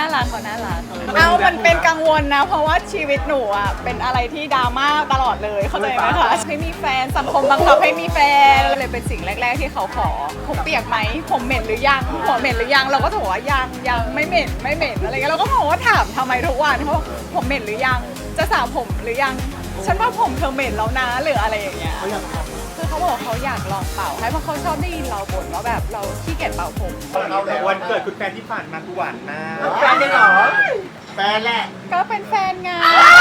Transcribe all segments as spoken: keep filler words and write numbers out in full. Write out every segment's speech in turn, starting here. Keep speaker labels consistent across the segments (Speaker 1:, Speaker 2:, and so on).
Speaker 1: น่ารักเขาน่ารักเอามันเป็นกังวลนะเพราะว่าชีวิตหนูอ่ะเป็นอะไรที่ดราม่าตลอดเลยเข้าใจไหมคะให้มีแฟนสังคมบังคับให้มีแฟนเลยเป็นสิ่งแรกๆที่เขาขอผมเปียกไหมผมเหม็นหรือยังหัวเหม็นหรือยังเราก็ถามว่ายังยังไม่เหม็นไม่เหม็นอะไรเงี้ยเราก็บอกว่าถามทำไมทุกวันเขาบอกผมเหม็นหรือยังจะสระผมหรือยังฉันว่าผมเธอเหม็นแล้วนะหรืออะไรอย่างเงี้ยคือเขาบอกเขาอยากลองเป่าให้เพราะเขาชอบได้ยินเราบ่นว่าแบบเราขี้เกียจเป่าผม
Speaker 2: วันเกิดคุณแฟนที่ผ่านมาคือหวานมาก
Speaker 3: แฟนได้เหรอแฟนแหละ
Speaker 1: ก็เป็นแฟนไง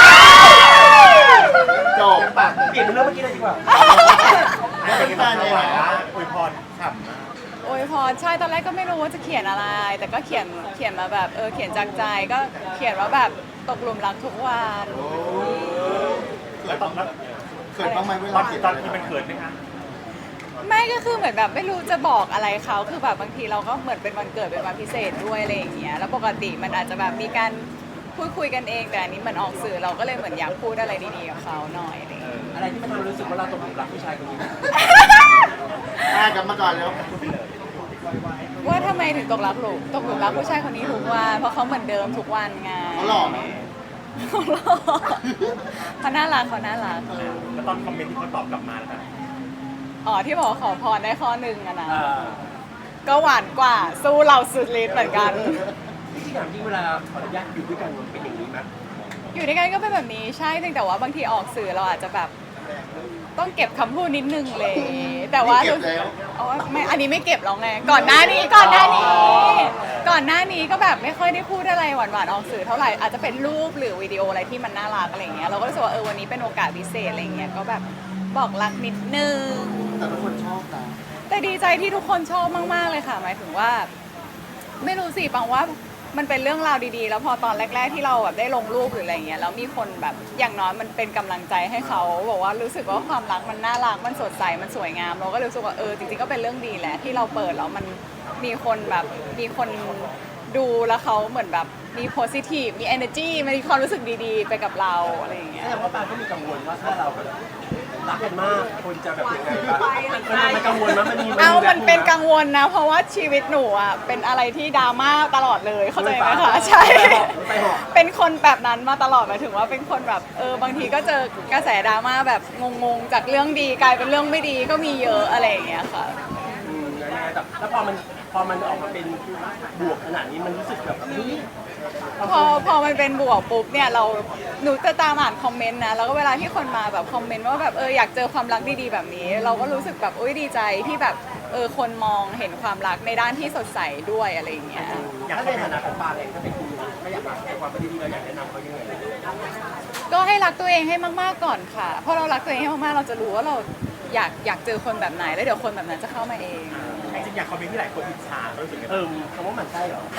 Speaker 3: จบปากเปลี่ยนเป็นเรื่องเมื่อกี้เลยดีกว่า
Speaker 2: เป็นแฟนหวานมากอวยพรฉ่ำมาก
Speaker 1: โอ้ยพอใช่ตอนแรกก็ไม่รู้ว่าจะเขียนอะไร แต่ก็เขียนเขียนมาแบบเออเขียนจากใจก็เขียนว่าแบบตกหลุมรักทุกวัน
Speaker 2: เกิดบ้างไหม
Speaker 3: เกิดบ้างไหมเว
Speaker 2: ตอ
Speaker 3: ลาน เขียน
Speaker 2: ตอนที่มันเกิดไหมคะ
Speaker 1: ไม่ก็คือเหมือนแบบไม่รู้จะบอกอะไรเขาคือแบบบางทีเราก็เหมือนเป็นวันเกิดเป็นวันพิเศษด้วยอะไรอย่างเงี้ยแล้วปกติมันอาจจะแบบมีการพูดคุยกันเองแต่อันนี้มันออกสื่อเราก็เลยเหมือนอยากพูดอะไรดีๆกับเขาหน่อยอะไรอย่างเงี้ย
Speaker 4: อะไรที่มันทำให้รู้สึกว่าเราตกหลุมรักผู้ชายคนนี้
Speaker 3: อ่ากลับมาก่อนแล้ว
Speaker 1: ว่าทำไมถึงตกรักหลุมตกหลุมรักผู้ชายคนนี้ทุกวันเพราะเขาเหมือนเดิมทุกวันไง
Speaker 3: เขาหล่อไหม
Speaker 1: เขาหล่อเขาน่ารักเขาน่ารัก
Speaker 2: แล้วตอนคอมเมนต์ที่เขาตอบกลับมาแล้วแบบ
Speaker 1: อ๋อที่บอกว่าขอพรได้ข้อหนึ่งอะนะ
Speaker 4: อ่า
Speaker 1: ก็หวานกว่าสู้เราสุดฤทธิ์เหมือนกัน
Speaker 4: ที่ถามจริงเวลาขออนุญาตอยู่ด้วยกันมันเป็นอย่างนี้ไหม
Speaker 1: อยู่ด้วยกันก็เป็นแบบนี้ใช่เพียงแต่ว่าบางทีออกสื่อเราอาจจะแบบต้องเก็บคำพูดนิดนึงเลย แต่ว่า
Speaker 3: เก็บแล้ว
Speaker 1: อ๋อไม่อันนี้ไม่เก็บแล้วไงก่อนหน้านี้ก่อนหน้านี้ ก่อนหน้านี้ก็แบบไม่ค่อยได้พูดอะไรหวานๆออกสื่อเท่าไหร่อาจจะเป็นรูปหรือวิดีโออะไรที่มันน่ารักอะไรเงี้ยเราก็รู้สึกว่าเออวันนี้เป็นโอกาสพิเศษอะไรเงี้ยก็แบบบอกรักนิดนึง
Speaker 3: แต่ทุกคนชอบนะ
Speaker 1: แต่ดีใจที่ทุกคนชอบมากๆเลยค่ะหมายถึงว่า ไม่รู้สิปังว่ามันเป็นเรื่องราวดีๆ แล้วพอตอนแรกๆที่เราแบบได้ลงรูปหรืออะไรเงี้ยแล้วมีคนแบบอย่างน้อยมันเป็นกำลังใจให้เขาบอกว่ารู้สึกว่าความรักมันน่ารักมันสดใสมันสวยงามเราก็รู้สึกว่าเออจริงๆก็เป็นเรื่องดีแหละที่เราเปิดแล้วมันมีคนแบบมีคนดูแล้วเขาเหมือนแบบมี positive มี energy มีความรู้สึกดีๆ ไปกับเราอะไรอย่างเงี้ย
Speaker 4: แต่ว่าปางก็มีกังวลว่าถ้าเราแบบรักกันมากคนจะแบบยังไงบ้างมันมันกังวลมั้ยมันมี
Speaker 1: เอามันเป็นกังวลนะเพราะว่าชีวิตหนูอ่ะเป็นอะไรที่ดราม่าตลอดเลยเข้าใจไหมคะใช่ เป็นคนแบบนั้นมาตลอดหมายถึงว่าเป็นคนแบบเออบางทีก็เจอกระแสดราม่าแบบงงๆจากเรื่องดีกลายเป็นเรื่องไม่ดีก็มีเยอะอะไรอย่างเงี้ยค่ะ
Speaker 4: อืมยังไงแต่แล้วพอมันพอมันออกมาเป็นบวกขนาดนี้มันรู้สึกแบบเฮ้ย
Speaker 1: พอพอมันเป็นบวกปุ๊บเนี่ยเราหนูจะตามอ่านคอมเมนต์นะแล้วก็เวลาที่คนมาแบบคอมเมนต์ว่าแบบเอออยากเจอความรักดีๆแบบนี้ เราก็รู้สึกแบบอุ้ยดีใจที่แบบเออคนมองเห็นความรักในด้านที่สดใสด้วยอะไรอย่างเงี้ย
Speaker 4: ถ้าในฐานะของปางเองถ้าเป็นคุณไม่อยากรักในความเป็นดีๆเราอยากแนะนำเขายังไง
Speaker 1: ก็ให้รักตัวเองให้มากๆก่อนค่ะเพราะเรารักตัวเองให้มากๆเราจะรู้ว่าเราอยากอยากเจอคนแบบไหนแล้วเดี๋ยวคนแบบนั้นจะเข้ามาเอง
Speaker 2: จริงๆอยากคอมเมนต์ที่หลายคนอิจฉาเขารู้สึกยังไง
Speaker 4: เออคำว่ามันใช่เหรอ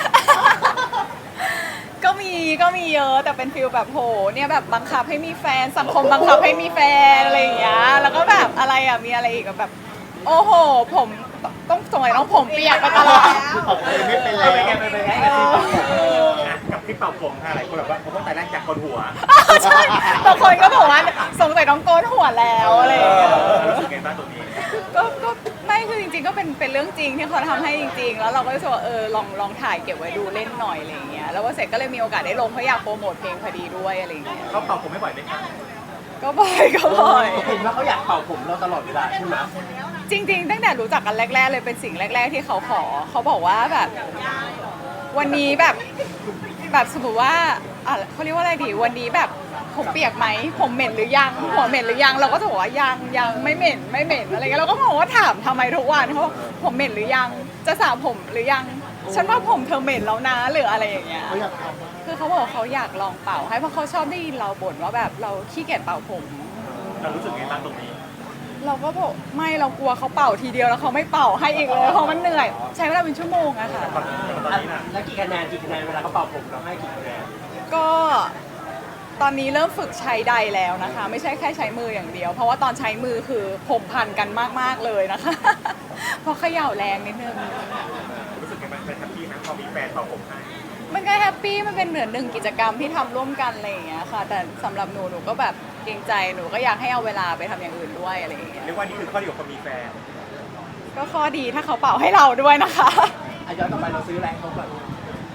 Speaker 1: ก็มีก็มีเยอะแต่เป็นฟิลแบบโหเนี่ยแบบบังคับให้มีแฟนสังคมบังคับให้มีแฟนอะไรอย่างเงี้ยแล้วก็แบบอะไรอ่ะมีอะไรอีกแบบ โอ้โหผมต้องสมัยต้องผมเปียกไปตลอด
Speaker 3: ขอบคุณไม่เป็น
Speaker 4: เอ
Speaker 3: แล้
Speaker 4: อเป็นไง
Speaker 3: ว
Speaker 4: เป็นไงกับที่ปากผม
Speaker 2: อ่ะกับที่เป่าผมค่ะหลายคนแบบว่าเขาต้องแต่แรกจากคนหัว
Speaker 1: ใช่บางคนก็บอกว่าสงสัยต้องโกนหัวแล้วอะไรอย่างเงี้ย
Speaker 2: รู้สึกไงบ้างตรงนี้
Speaker 1: ก็ก็ไม่คือจริงๆก็เป็นเป็นเรื่องจริงที่เขาทำให้จริงๆ แล้วเราก็รู้สึกว่าเออลองลองถ่ายเก็บไว้ดูเล่นหน่อยอะไรอย่างเงี้ยแล้วว่าเสร็จก็เลยมีโอกาสได้ลงเพราะอยากโปรโมทเพลงพอดีด้วยอะไรอย่างเงี้ย
Speaker 2: เขาเป่าผมไม่บ่อยไหมคะ
Speaker 1: ก็บ่อยก็บ่อย
Speaker 4: เห็นว่าเขาอยากเป่าผมเราตลอดเวลาใช่ไหม
Speaker 1: จริงๆตั้งแต่รู้จักกันแรกๆเลยเป็นสิ่งแรก ๆ ที่เขาขอเขาบอกว่าแบบวันนี้แบบแบบสมมติว่าอ่ะเขาเรียกว่าอะไรดีวันนี้แบบผมเปียกไหมผมเหม็นหรือยังหัวเหม็นหรือยังเราก็จะบอกว่ายังยังไม่เหม็นไม่เหม็นอะไรเงี้ยเราก็บอกว่าถามทำไมทุกวันเขาบอกผมเหม็นหรือยังจะสระผมหรือยังฉันว่าผมเธอเหม็นแล้วนะหรืออะไรอย่างเงี้ย
Speaker 3: เขาอยากท
Speaker 1: คือเขาบอกเขาอยากลองเป่าให้เพราะเขาชอบได้ยินเราบ่นว่าแบบเราขี้เกียจเป่าผม
Speaker 2: เรารู้สึกไงบ้างตรงนี้
Speaker 1: เราก็บอกไม่เรากลัวเขาเป่าทีเดียวแล้วเขาไม่เป่าให้อีกเลยเพราะมันเหนื่อย ใช้เวลาเป็นชั่วโมงอะค่ะ
Speaker 2: ตอนตอนนี้น่ะ
Speaker 4: แล้วกี่คะแนนกี่คะแนนเวลาเขาเป่าผมเราให้กี่คะแนน
Speaker 1: ก็ตอนนี้เริ่มฝึกใช้ใดแล้วนะคะ ไม่ใช่แค่ใช้มืออย่างเดียว เพราะว่าตอนใช้มือคือผมพันกันมากๆเลยนะคะ เพราะเขย่าแรงนิดนึง
Speaker 2: รู้สึกไงบ้างเป็นแฮปปี้นะพอมีแฟนเป่าผมให้
Speaker 1: มันก็แฮปปี้มันเป็นเหมือนหนึ่งกิจกรรมที่ทำร่วมกันอะไรอย่างเงี้ยค่ะ แต่สำหรับหนูหนูก็แบบเกรงใจหนูก็อยากให้เอาเวลาไปทำอย่างอื่นด้วยอะไรอย่างเงี้ย
Speaker 2: เรียกว่านี่คือข้อดีของคนมีแฟน
Speaker 1: ก็ข้อดีถ้าเขาเป่าให้เราด้วยนะคะ
Speaker 4: อ่ะย้อนกลับไปเราซื้ออะไรให้เขาก่อน
Speaker 1: ซ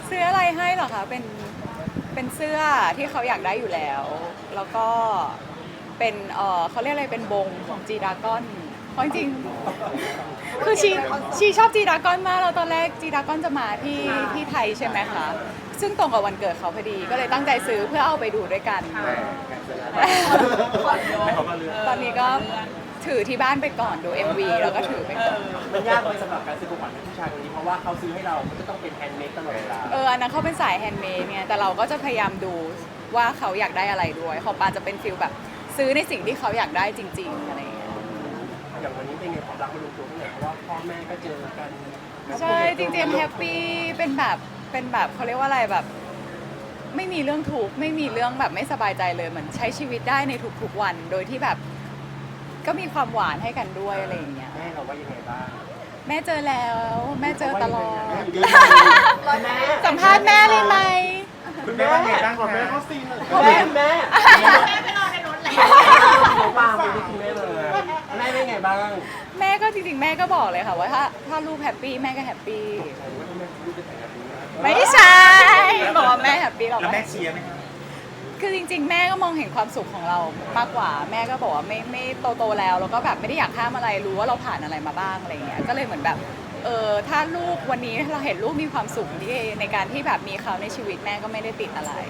Speaker 1: ซื้ออะไรให้เหรอคะเป็นเป็นเสื้อที่เขาอยากได้อยู่แล้ว แล้วก็เป็นเออเขาเรียกอะไรเป็นบงของจีดากอนเพราะจริงๆคือชีชีชอบจีดากอนมากแล้วตอนแรกจีดากอนจะมาที่ที่ไทยใช่ไหมคะซึ่งตรงกับวันเกิดเขาพอดีก็เลยตั้งใจซื้อเพื่อเอาไปดูด้วยกัน ตอนนี้ก็ถือที่บ้านไปก่อนดู เอ็ม วี แล้วก็ถือไปก่อน
Speaker 4: มันยากเลยสำหรับการซื้อของขวัญให้ผู้ชายคนนี้เพราะว่าเขาซื้อให้เรามันก็ต้องเป็นแฮนด์เมดตลอดเวลา
Speaker 1: เอออันนั้นเขาเป็นสายแฮนด์เมดเนี่ยแต่เราก็จะพยายามดูว่าเขาอยากได้อะไรด้วยของปาจะเป็นฟิลแบบซื้อในสิ่งที่เขาอยากได้จริง ๆอะไรอย่างเงี้ย
Speaker 4: อย่างวันนี้เป็นไงความรักมันลงตัวเท่าไหร่เพราะว่าพ่อแม่ก็เจอกัน
Speaker 1: ใช่จริงๆแฮปปี้เป็นแบบเป็นแบบเขาเรียกว่าอะไรแบบ ไม่มีเรื่องทุกข์ไม่มีเรื่องแบบไม่สบายใจเลยเหมือนใช้ชีวิตได้ในทุกๆวัน โดยที่แบบก็มีความหวานให้กันด้วยอะไรอย่างเงี้ย
Speaker 4: แม่เราว่ายังไงบ้าง
Speaker 1: แม่เจอแล้วแม่เจอตลอด
Speaker 4: แม่
Speaker 1: สัมภาษณ์แม่เลยไหม
Speaker 2: คุณแม่ว่าไงบ้าง
Speaker 3: ขอ
Speaker 2: คะ
Speaker 3: แม่เขาซีนหน่อย
Speaker 4: แม่แม่แม่ไปนอนในรถเลยน้องปางไปที่คุณแม่เลยแม่เป็นไงบ้าง
Speaker 1: แม่ก็จริงๆแม่ก็บอกเลยค่ะว่าถ้าถ้าลูกแฮปปี้แม่ก็แฮปปี้ไม่ใช่บอกว่าแม่แฮปปี้หรอก
Speaker 2: แล้วแม่เชียร์ไหมคะ
Speaker 1: คือจริง ๆ แม่ก็มองเห็นความสุขของเรามากกว่า แม่ก็บอกว่าไม่ไม่โตโตๆแล้วแล้วก็แบบไม่ได้อยากห้ามอะไรรู้ว่าเราผ่านอะไรมาบ้างอะไรเงี้ยก็เลยเหมือนแบบเออถ้าลูกวันนี้เราเห็นลูกมีความสุขที่ในการที่แบบมีเขาในชีวิตแม่ก็ไม่ได้ติดอะไร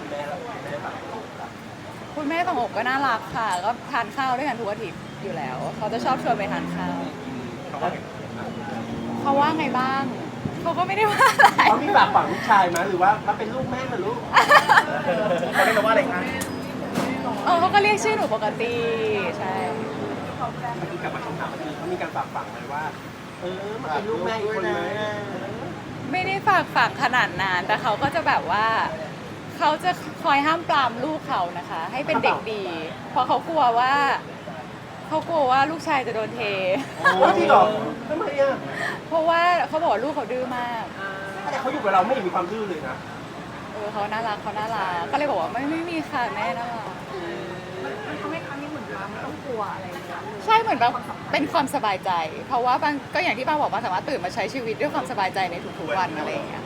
Speaker 1: คุณแม่ของอกก็น่ารักค่ะ ก็ทานข้าวด้วยกันทุกอาทิตย์อยู่แล้ว เขาจะชอบชวนไปทานข้าว
Speaker 2: เขาว่าไง
Speaker 1: เขาว่าไงบ้าง เขาก็ไม่ได้ว่าอะไร
Speaker 4: เขามีปากฝังลูกชายไหมหรือว่ามาเป็นลูกแม่เหรือลูก
Speaker 2: เขาเรียกเราว่าอะไรคะ
Speaker 1: เออเขาก็เรียกชื่อหนูปกติ ใช่
Speaker 4: เมื่อกี้กลับมาคำถามเมื่อกี้เขามีการฝากฝังไหมว่า เออมาเป็นลูกแม่อีกคนไหม
Speaker 1: ไม่ได้ฝากฝังขนาดนั้นแต่เขาก็จะแบบว่า เขาจะคอยห้ามปรามลูกเขานะคะ ให้เป็นเด็กดี เพราะเขากลัวว่า เขากลัวว่าลูกชายจะโดนเท
Speaker 4: โอ้จริงเหรอทำไมอ่ะ
Speaker 1: เพราะว่าเขาบอกว่าลูกเขาดื้อมาก
Speaker 4: แต่เขาอยู่กับเราไม่เห็นมีความดื้อเลยนะ
Speaker 1: เออเขาน่ารักเขาน่ารักก็เลยบอกว่าไม่ไม่มีค่ะแม่น่ารัก
Speaker 5: มันทำให้ครั้งนี้เหมือนว่าไม่ต้องกลัวอะไรเลยนะ
Speaker 1: ใช่เหมือนแบบเป็นความสบายใจ เพราะว่าบางก็อย่างที่ป้าบอกว่าสามารถตื่นมาใช้ชีวิตด้วยความสบายใจในทุกๆวันอะไรอย่างเงี้ย